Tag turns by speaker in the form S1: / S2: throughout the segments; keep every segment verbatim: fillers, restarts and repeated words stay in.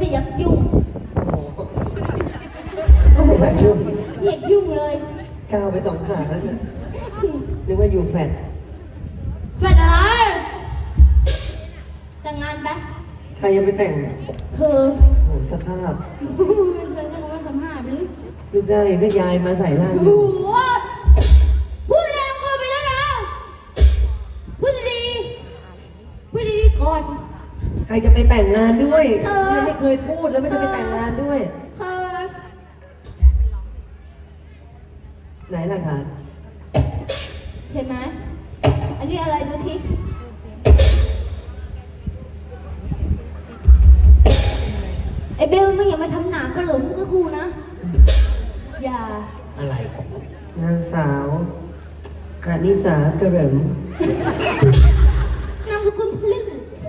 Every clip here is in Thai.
S1: อยากยุ่ง
S2: โอ้โหอยากยุ่ง
S1: อยากยุ่งเลย
S2: ก้าวไปสองขาแล้วเนี่ยนึกว่าอยู่แฟด
S1: แฟดอะไรแต่งงานไป
S2: ใครจะไปแต่ง
S1: เธอ
S2: โอ้สภาพ
S1: มันจะเรียกว่าสภาพหรือ
S2: ลูกได้ก็ยายมาใส่ร่างอ
S1: ยู่พูดแรงเกินไปแล้วนะพูดดีๆพูดดีๆก่อน
S2: ใครจะไปแต่งงานด้วยเธอไม่เคยพูดแล้วไม่จะไปแต่งงานด้วย
S1: เธอ
S2: ไหนหลักฐาน
S1: เห็นไหมอันนี้อะไรดูทีไอเบลมึงอย่ามาทำหนาขลุ่มกับกูนะอย่า
S2: อะไรนางสาวกานิสากระเหริม
S1: นามสกุลพลึ่ง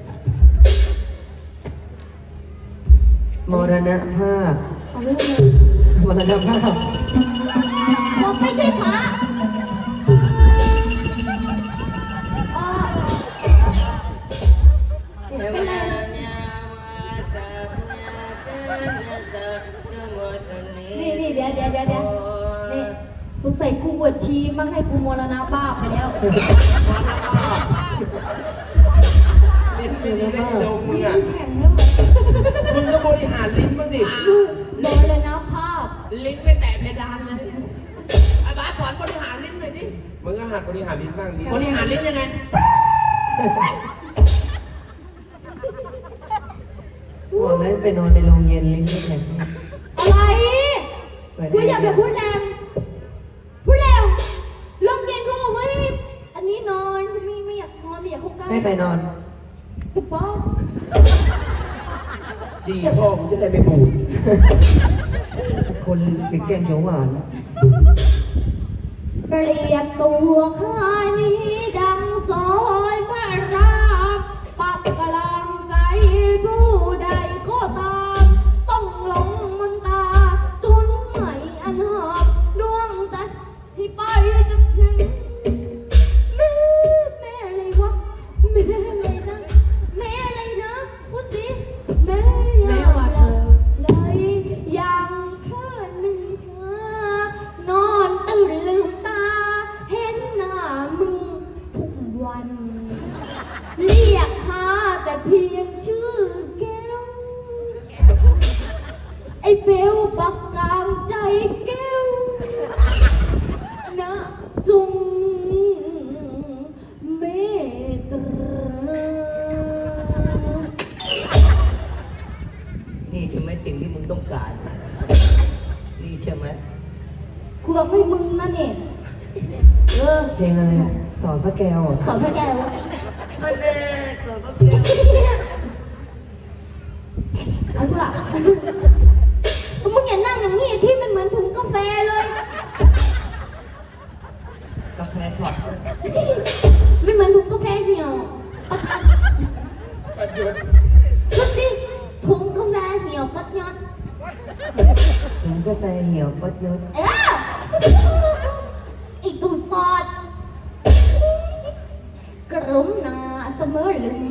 S2: มรณภาพมรณภาพ
S1: บอกไม่ใช่พระเป็นไรนี่นี่เดี๋ยวเดี๋ยวเดี๋ยวเดี๋ยวนี่สงสัยกูบวชชีมั่งให้กูมรณภาพไปแล้ว
S3: ลิ้นไม่ดีได้เดี๋ยวมึงอ่ะ
S1: แข็งแล้ว
S3: มึงก็บริหารลิ้นบ้างดิ
S1: มรณภาพ
S3: ลิ้นไปแตะเพดานเลยอาบาสสอนบริหารลิ้นหน่อยดิมึงก็หัดบริหารลิ้นบ้างดิบริหารลิ้นยังไง
S2: บอกแล้วไปนอนในโรงเย็นลิ้นไม่แข็ง
S1: อะไรกูอยากจะพูดแรงพูดแรงลมเย็นเขาบอกว่าอันนี้นอนไม่ไม่อยากนอนไม่อยากเข้าใกล้
S2: ไม่ใครนอน
S1: ถูกป้อง
S3: ดีพ่อกูจะได้ไม่บูด
S2: คนเป็นแกงเขียวหวาน
S1: เปรียบตัวข้านี้ดังสอยพระรามปรับกำลังใจผู้ใดก็ตามต้องหลงมนตาจนไม่อันหอบดวงใจที่ไปจนถึงแม่แม่อะไรวะแม่อะไรนะแม่อะไรนะพูดสิแม่แม่ว่าเธอเลยยังเชื่อหนึ่งเธอนอนตื่นลืมตาเห็นหน้ามึงทุกวันเรียกหาแต่เพียงชื่อแก้วไอ้เบลปักกลางใจแก้วนะจงเมตตา
S2: นี่ใช่ไหมสิ่งที่มึงต้องการนี่ใช่ไหม
S1: กูบอกให้มึงนั่นเองเออ
S2: เพลงอะไรสอนพระแก้ว
S1: สอนพระแก้ว
S2: อันเน่สอนพระแก้ว
S1: เอาเถอะมึงอย่านั่งอย่างนี้ที่มันเหมือนถุงกาแฟเลย
S2: กาแฟช็อต
S1: มันเหมือนถุงกาแฟเหี่ยว
S3: ปัดยุด
S1: ชุดที่ถุงกาแฟเหี่ยวปัดยอด
S2: ถุงกาแฟเหี่ยวปัดยอด
S1: เอออีกตุ่มปอดกระรุมนาเสมอลืม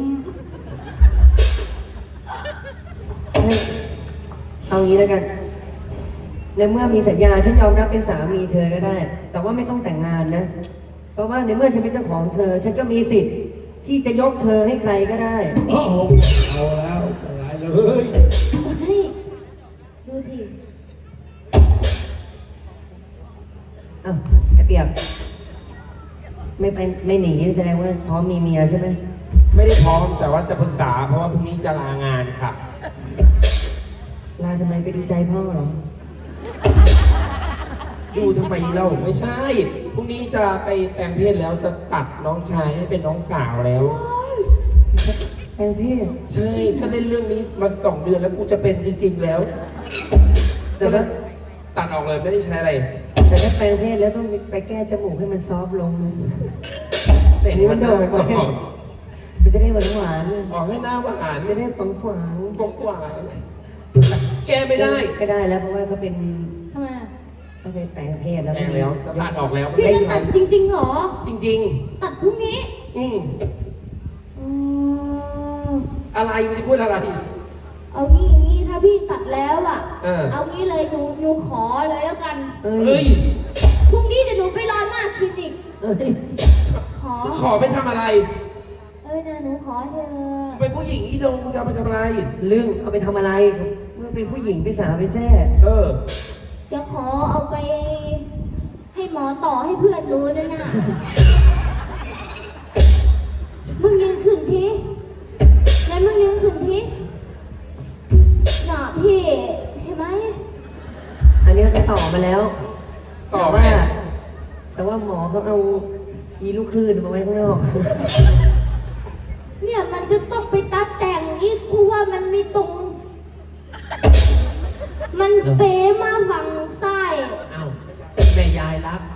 S2: เอางี้แล้วกันในเมื่อมีสัญญาฉันยอมรับเป็นสามีเธอก็ได้แต่ว่าไม่ต้องแต่งงานนะเพราะว่าในเมื่อฉันเป็นเจ้าของเธอฉันก็มีสิทธิ์ที่จะยกเธอให้ใครก็ได้
S3: โอ้โหเอาแล้วอะไรเลย
S1: เฮ้ยดูที
S2: อ้าวไอ้เปียกไม่ไปไม่หนีแสดงว่าพร้อมมีเมียใช่ไหม
S3: ไม่ได้พร้อมแต่ว่าจะปรึกษาเพราะว่าพรุ่งนี้จะลางานค่ะ
S2: ลาทำไมไปดูใจพ่อเหรอ
S3: ดูทำไมเราไม่ใช่พรุ่งนี้จะไปแปลงเพศแล้วจะตัดน้องชายให้เป็นน้องสาวแล้ว
S2: แปลงเพศ
S3: ใช่ถ้าเล่นเรื่องนี้มาสองเดือนแล้วกูจะเป็นจริงๆแล้วแต่ว่าตัดออกเลยไม่ได้ใช้อะไร
S2: แต่ถ้าแปลงเพศแล้วต้องไปแก้จมูกให้มันซอฟลงแต่นี้มันโด่งไปมันจะได้หวานหวาน
S3: ออกให้หน้าหวาน
S2: จะได้ฝังขวาง
S3: ฝังขวางแก้ไม่ได้
S2: ไม่ได้แล้วเพราะว่าเขาเป็น
S1: ทำไม
S2: เขาเป็นแปลงเพศแล้ว
S3: แปลงแล้วตัดออกแล้ว
S1: พี่จะตัดจริงๆเหรอ
S3: จริง
S1: ๆตัดพรุ่งนี้
S3: อืมอะไรไม่ได้พูดอะไร
S1: เอางี้อย่างนี้ถ้าพี่ตัดแล้วอ่ะ
S3: เออ
S1: เอางี้เลยหนูหนูขอเลยแล้วกัน
S2: เอ้
S3: เฮ้
S2: ย
S3: ย
S1: พรุ่งนี้เดี๋ยวหนูไปรอหน้าคลินิก
S2: เอ้ย
S1: ขอ
S3: ขอไปทำอะไร
S1: เอ้ยนะหนูขอเถอะ
S3: เป็นผู้หญิงอีดงมึงจะเอาไปทำอะไร
S2: เรื่องเอาไปทำอะไรเมื่อเป็นผู้หญิงเป็นสาวเป็นแซ่
S3: เออ
S1: จะขอเอาไป ให้หมอต่อให้เพื่อนรู้ด้วยนะมึงยืนขึ้นทีไหนมึงยืนขึ้นทีหน่าพี่เห็นไหม
S2: อันนี้ไปต่อมาแล้ว
S3: ต่อ
S2: แต่
S3: ไหม
S2: ว่า แต่ว่าหมอเขาเอาอีลูกคลื่นมาไว้ข้างนอก
S1: เนี่ยมันจะต้องไปตัดแต่งอีกกูว่ามันไม่ตรง มันเป๋มาฝั่งซ้าย
S3: เอ้าแม่ยายรัก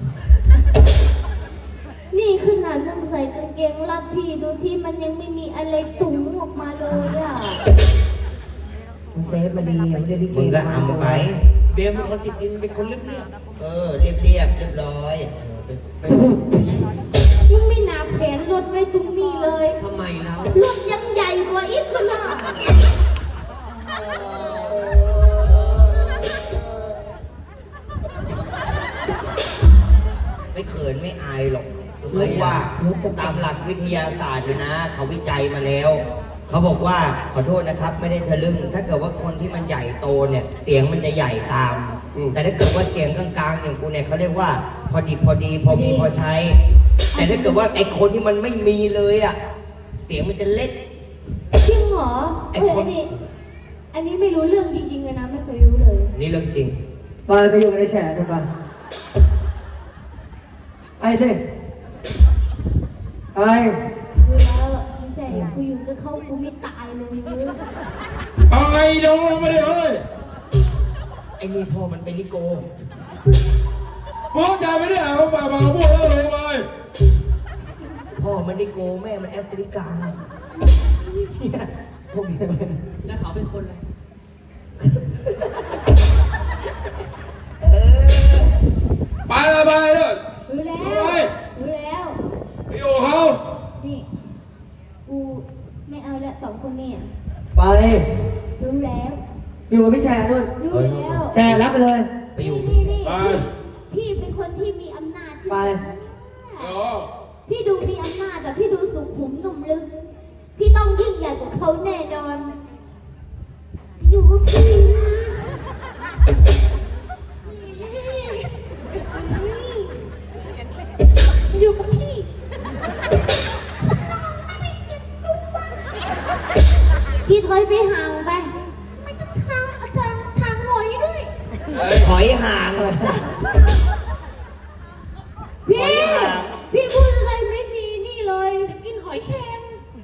S1: นี่ขนาดมึงใส่กางเกงรัดพี่ดูที่มันยังไม่มีอะไรตุ๋งออกมาเลยอ่ะ
S2: มันเซฟมาดีไม่ได้ลิเก
S4: มึงก็เอาไป
S3: เบมเป็นคนติดดินเป็นคนเรียบเรียบ
S4: เออ เรียบเรียบเรียบร้อย
S3: ๆเป็นเป็น
S1: มึงไม่หนาแผนรถไว้ตรงนี้เลย
S3: ทำไมแล้ว
S1: รถยังใหญ่กว่าอีกก็น่า
S4: ไม่เขินไม่อายหรอกเพราะว่าตามหลักวิทยาศาสตร์เนี่ยนะ เขาวิจัยมาแล้ว เขาบอกว่าขอโทษนะครับ ไม่ได้ทะลึ่ง ถ้าเกิดว่าคนที่มันใหญ่โตเนี่ย เสียงมันจะใหญ่ตาม แต่ถ้าเกิดว่าเสียงกลางๆอย่างกูเนี่ยเขาเรียกว่า พอดีพอดีพอมีพอใช้ แต่ถ้าเกิดว่าไอ้คนที่มันไม่มีเลยอ่ะ เสียงมันจะเล็ก
S1: จริงเหรอ
S4: ไอ้
S1: เอ้ย
S4: ค
S1: อั
S4: น
S1: นนี้ อันนี้ไม่รู้เรื่องจริงๆเลยนะ ไม่เคยรู้เลย
S4: นี่เรื่องจริง
S2: ไปไปอยู่ในแฉะดีกว่าไปสิไป
S1: รู้แล้วไม่ใช่กูอยู่กับเขากูไม่ตายเลยรู้
S3: เอาไงดงลงมาเลยเฮ้ย
S4: ไอ้นี่พ่อมันเป็นนิโก
S3: มึงเข้าใจไหมเนี่ยเขาฝากมาพูดแล้วลงไป
S4: พ่อมันนิโกแม่มันแอฟริกาเนี่ยพวกเนี้ย
S3: แล้วเขาเป็นคนอะไร
S4: เออ
S3: ไปเลยไปเลย
S1: รู้แล้ว
S3: ไป
S1: รู้แล้ว
S3: ไปอยู่กับเขา
S1: นี่ กูไม่เอาแล้วสองคนเนี่ย
S2: ไป
S1: รู้แล้ว
S2: อยู่กับพี่แฉะนู่น
S1: รู้แล้ว
S2: แฉะรับไปเลย
S4: ไปอยู่
S1: นี่นี่
S3: ไป
S1: พี่เป็นคนที่มีอำนาจที่
S2: ไป
S1: สุดนะ
S3: เดี๋
S1: เนี่ย
S3: ยว
S1: พี่ดูมีอำนาจแต่พี่ดูสุขุมหนุ่มลึก พี่ต้องยิ่งใหญ่กว่าเขาแน่นอน อยู่กับพี่อยู่กับพี่พี่ถอยไปห่างไป ไม่ต้องทางอาจารย์ทางหอยด้วย
S3: เฮ้ย
S4: ถอยห่าง
S1: พี่
S4: หอยห่าง
S1: พี่พูดอะไรไม่มีนี่เลยจะกินหอยแครง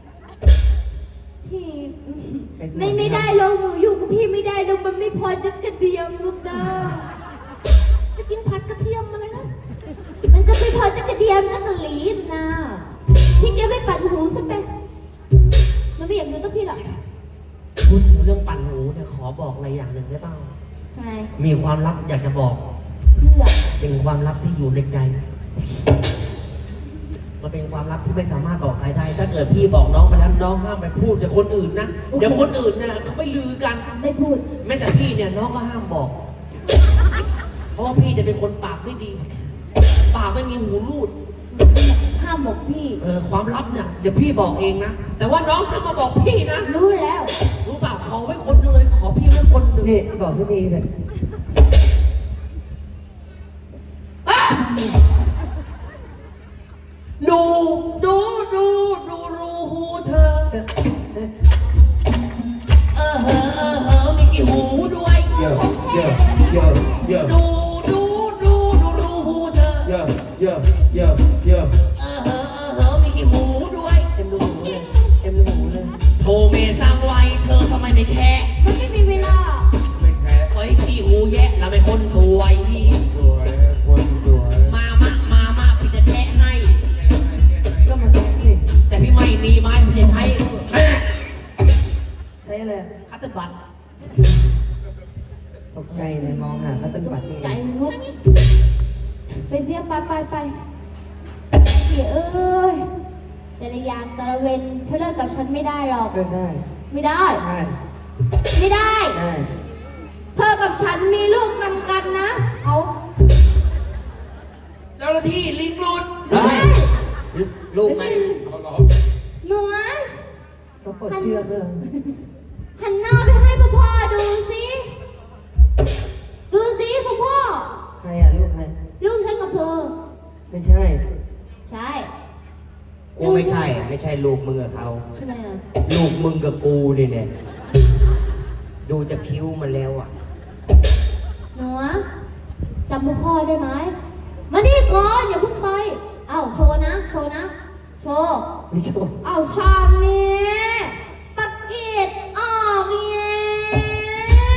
S1: พี่ไม่ไม่ได้ลงหนูอยู่กับพี่ไม่ได้ลงมันไม่พอจะกระเทียมลูกเด้อจะกินผัดกระเทียมอะไรนะมันจะไม่พอจะกระเทียมจะกระหลีนนะพี่แกไม่ปั่นหูสักไปมันไม่อยากอยู่กับพี่หรอก
S5: พูดถึงเรื่องปั่นหูเนี่ยขอบอกอะไรอย่างหนึ่งได้เปล่า
S1: ทำไม
S5: มีความลับอยากจะบอก
S1: เพื่อ
S5: เป็นความลับที่อยู่ในใจ มันเป็นความลับที่ไม่สามารถบอกใครได้ ถ้าเกิดพี่บอกน้องไปแล้วน้องห้ามไปพูดกับคนอื่นนะ เดี๋ยวคนอื่นเนี่ยเขาไปลือกัน
S1: ไม่พูด
S5: แม้แต่พี่เนี่ยน้องก็ห้ามบอก เพราะว่าพี่จะเป็นคนปากไม่ดี ปากไม่มีหูรูด
S1: ห้ามบอกพี่
S5: เออความลับเนี่ยเดี๋ยวพี่บอกเองนะ แต่ว่าน้องห้ามมาบอกพี่นะ
S1: รู้แล้ว
S5: รู้เปล่าขอไว้คนหนึงเลยขอพี่ไว้คนหนึง
S2: นี่บอกทุกทีเลย
S5: ดูดูดูดูรูหูเธอ เออเหอะเออเหอะมีกี่หูด้วย
S3: เยอะเยอะเยอะเยอะ
S5: ดูดูดูดูรูหูเธอ
S3: เยอะเยอะเยอะเยอะ
S5: เออเหอะเออเหอะมีกี่หูด้วย
S2: เต็มรูหูเลยเต็มรูหูเลย
S5: โทรเมสร้างไว้เธอทำไมไม่แค่
S1: มันไม่มีเวลา
S3: ไม่แพ้
S5: ไว้ขี้หูแยะเราเป็นคนสวย
S3: สวยคนสวย
S5: มามามามาพี่จะแทะให้
S2: ก็มาแค่สิ
S5: แต่พี่ไม่มีไม้พี่จะใช้
S2: ใช้อะไร
S5: คัตเตอร์บัต
S2: ตกใจเลยมองหาพระต้นบัตรนี่
S1: ใจงดไปเสียไปไปไปเดี๋ยวเอ้ยแต่ละอย่างแต่ละเวนเธอเลิกกับฉันไม่ได้หรอก
S2: เลิกได้
S1: ไม่ได้
S2: ได้
S1: ไม่ได้
S2: ได้
S1: เธอกับฉันมีลูกนำกันนะ เอา
S5: เจ้าหน้าที่ลิงหลุด
S1: ไม่ใช่
S4: ลูกไหม
S3: เอาเหรอ
S1: หนูอะ
S2: ต้องปลดเชือกด้วยเหรอ
S1: หันหน้าไปให้พ่อพ่อดูสิดูสิพ่อพ่อ
S2: ใครอ่ะลูกใคร
S1: ลูกฉันกับเธอ
S2: ไม่ใช่
S1: ใช่
S4: กูไม่ใช่ ไม่ใช่ลูกมึงกับเขา
S1: ทำไมล่ะ
S4: ลูกมึงกับกูดิเนี่ย ดูจากคิ้วมันแล้วอ่ะ
S1: หนูอะจำพ่อพ่อได้ไหมมานี่ก่อนอย่าเพิ่งไปเอ้าโชว์นะโชว์นะโชว์
S2: ไม่ใช่
S1: เอ้าชางนี้ปากกีดออกแล้ว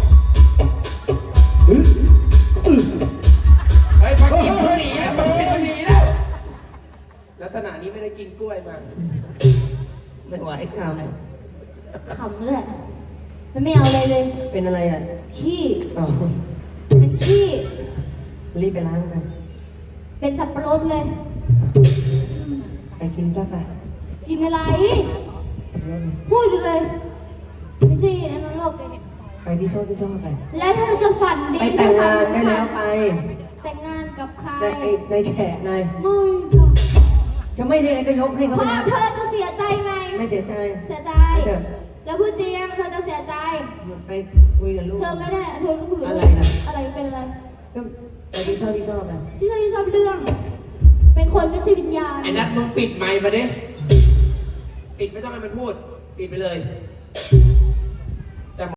S3: ไอ้ยพักกินเขาหนีแล้วพักกินเขาหนีแล้ว ลักษณะนี้ไม่ได้กินกล้วยมา
S4: ไม่ไหว
S2: ถาม
S1: ขำเลยมันไม่เอาอะไรเลย
S2: เป็นอะไรอ่ะ
S1: ขี้
S2: อ๋อ
S1: เป็นขี้
S2: รีบไปล้างไป
S1: เป็นสับปะรดเลย
S2: ไปกินซะไป
S1: กินอะไร พูดอยู่เลย ไม่ใช่อันนั้นหรอก
S2: ไปที่ชอบที่ชอบไป
S1: แล้วเธอจะฝันดี
S2: ไปแต่งงานได้แล้วไป
S1: แต่งงานกับใคร
S2: ในไอ้ในแฉะนาย
S1: ไม่
S2: จะไม่ได้ไงก็ยกให้เขา
S1: เพ
S2: ไป
S1: ราะ
S2: แล้ว
S1: เธอจะเสียใจไง
S2: ไม่เสียใจ
S1: เสียใจ
S2: ไม่เถอะ
S1: แล้วพูดจริงเธอจะเสียใจ
S2: ไปคุยกับลูก
S1: เธอไม่ได้เธอคุยกับ
S2: อะไร
S1: ลูก
S2: นะ
S1: อะไรเป็นอะไร
S2: ก็ไปที่ชอบที่ชอบไป
S1: ที่เธอชอบเรื่อง เป็นคนไม่ใช่วิญญาณ
S5: ไอ้นัทมึงปิดไมค์มาดิ ปิดไม่ต้องให้มันพูด ปิดไปเลย
S1: เ